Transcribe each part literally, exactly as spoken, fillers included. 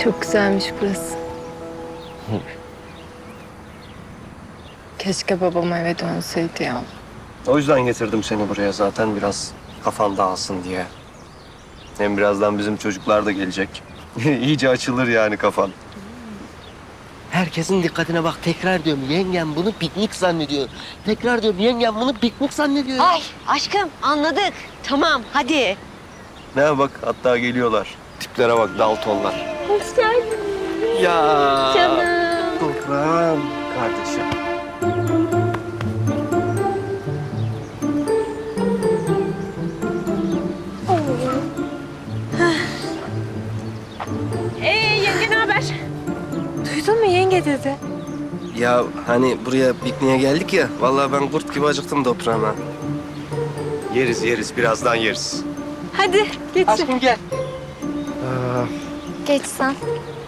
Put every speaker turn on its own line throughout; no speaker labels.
Çok güzelmiş burası. Keşke babam eve dönseydi ya.
O yüzden getirdim seni buraya zaten biraz kafan dağılsın diye. Hem birazdan bizim çocuklar da gelecek. İyice açılır yani kafan.
Herkesin dikkatine bak, tekrar diyorum, yengem bunu piknik zannediyor. Tekrar diyorum, yengem bunu piknik zannediyor.
Ay aşkım anladık. Tamam hadi.
Ne bak hatta geliyorlar. Tiplere bak Daltonlar.
Hoş geldin.
Ya.
Canım.
Toprağım kardeşim.
Ee yenge ne haber?
Duydun mu yenge dedi.
Ya hani buraya pikniğe geldik ya. Vallahi ben kurt gibi acıktım toprağıma. Yeriz yeriz birazdan yeriz.
Hadi geç.
Aşkım gel.
Aa,
Geç sen.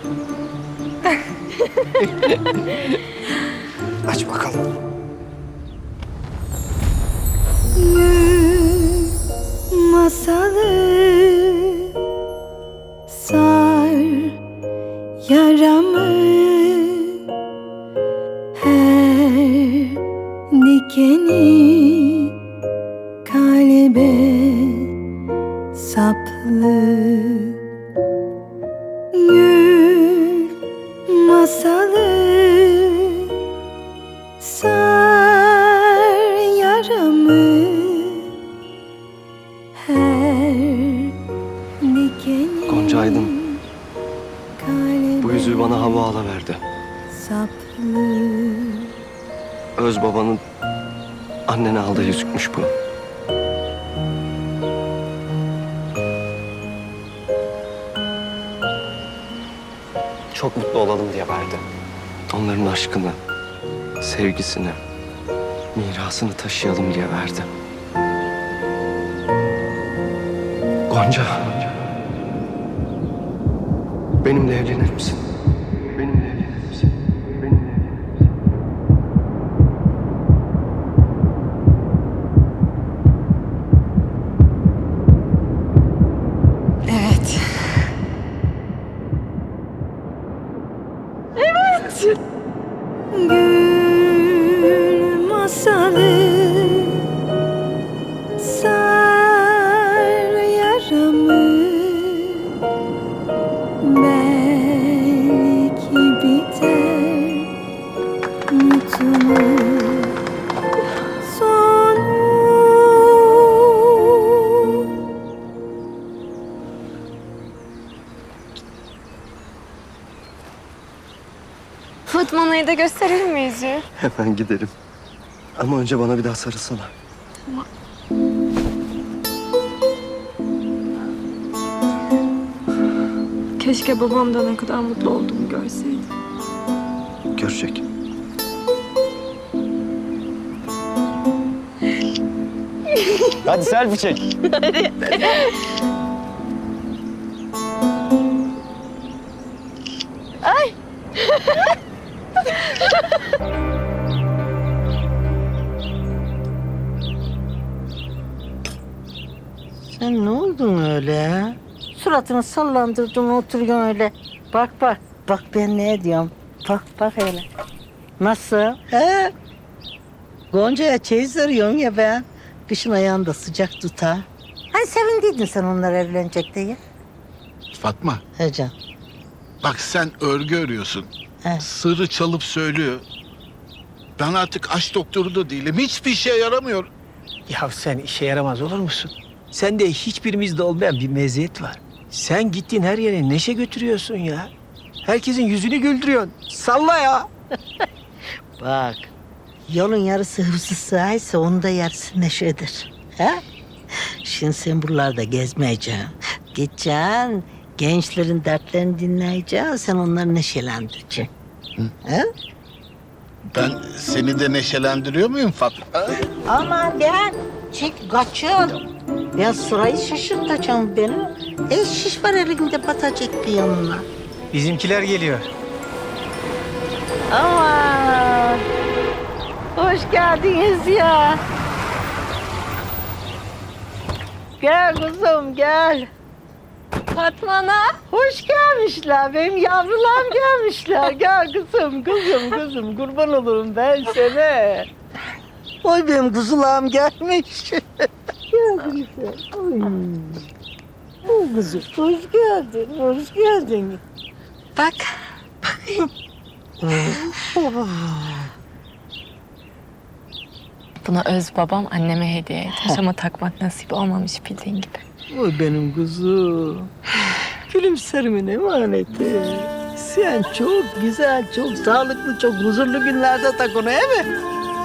aç bakalım.
Masalı sar yaramı, her dikeni kalbe saplı. Gül masalı sar yaramı, her dikeni
Gonca Aydın,
kalbe
bu yüzüğü bana hava verdi.
saplı.
Öz babanın annene aldığı yüzükmüş bu. Çok mutlu olalım diye verdi. Onların aşkını, sevgisini, mirasını taşıyalım diye verdi. Gonca, benimle evlenir misin? Benimle evlenir misin? Benimle evlenir misin?
Evet.
Gül masalı sar yaramı, belki biter mutluluk sonu.
Fatma Ana'yı da gösterelim mi yüzüğü?
Hemen gidelim. Ama önce bana bir daha sarılsana.
Keşke babam da ne kadar mutlu olduğumu görseydi.
Görecek. Hadi selfie çek.
Sen ne oldun öyle? Suratını sallandırdın, oturuyorsun öyle. Bak bak, bak ben ne diyorum. Bak bak hele. Nasıl? He? Gonca'ya çeyiz arıyorum ya ben. Kışın ayağını da sıcak tutar. Hani sevindiydin sen onlar evlenecek diye.
Fatma,
He can.
bak sen örgü örüyorsun.
He.
Sırrı çalıp söylüyor. Ben artık aşk doktoru da değilim. Hiçbir işe yaramıyor.
Ya sen işe yaramaz olur musun? Sende hiçbirimizde olmayan bir meziyet var. Sen gittiğin her yere neşe götürüyorsun ya. Herkesin yüzünü güldürüyorsun. Salla ya.
Bak, yolun yarısı hıfzı sığaysa onun da yarısı neşedir. He? Şimdi sen buralarda gezmeyeceksin. Gideceksin, gençlerin dertlerini dinleyeceksin, sen onları neşelendireceksin. He?
Ben seni de neşelendiriyor muyum Fatma?
Aman gel, çek kaçın. Ya sırayı şaşırtacağım beni. El şiş var elinde batacak bir yanına.
Bizimkiler geliyor.
Aman, hoş geldiniz ya. Gel kuzum, gel.
Fatma Ana.
Hoş gelmişler. Benim yavrularım gelmişler. Gel kızım, kızım, kızım. Kurban olurum ben sana. Oy benim kuzularım gelmiş. Gel kızım. Oy. Oy kızım. Hoş geldin, hoş geldin.
Bak. Buna öz babam anneme hediye etmiş ama takmak nasip olmamış bildiğin gibi.
Oy benim kuzum. Gülümserimin emaneti. Sen çok güzel, çok sağlıklı, çok huzurlu günlerde tak onu, değil mi?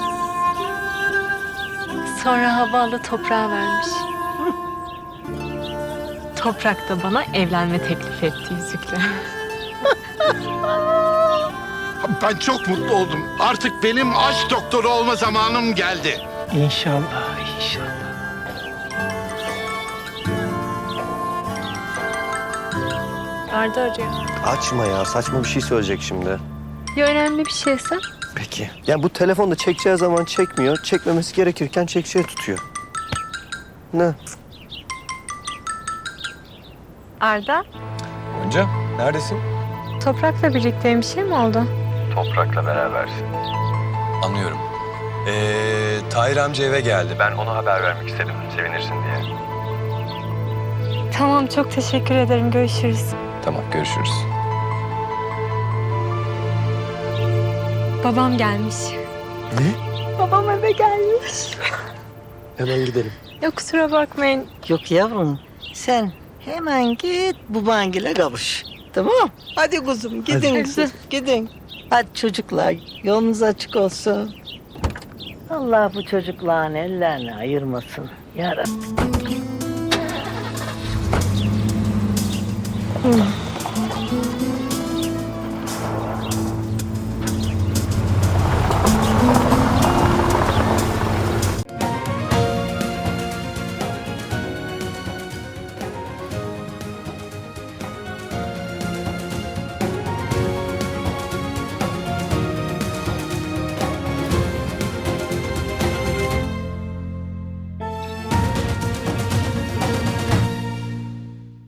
Sonra havalı toprağa vermiş. Toprak da bana evlenme teklif etti yüzükle.
Ben çok mutlu oldum. Artık benim aşk doktoru olma zamanım geldi.
İnşallah, inşallah.
Arda arıyor.
Açma ya, saçma bir şey söyleyecek şimdi.
Ya önemli bir şeyse?
Peki. Yani bu telefonda çekeceği zaman çekmiyor, çekmemesi gerekirken çekeceği tutuyor. Ne?
Arda,
Gonca, neredesin?
Toprak'la birlikteyim. Bir şey mi oldu?
Toprak'la berabersin. Anlıyorum. Ee, Tahir amca eve geldi. Ben ona haber vermek istedim, sevinirsin diye.
Tamam, çok teşekkür ederim. Görüşürüz.
Tamam, görüşürüz.
Babam gelmiş.
Ne?
Babam eve gelmiş.
Hemen gidelim.
Yok, kusura bakmayın.
Yok yavrum, sen hemen git babangile kavuş. Tamam. Hadi kuzum, gidin
Hadi.
kızım, gidin. Hadi çocuklar, yolunuz açık olsun. Allah bu çocukların ellerini ayırmasın. Ya Rabbi.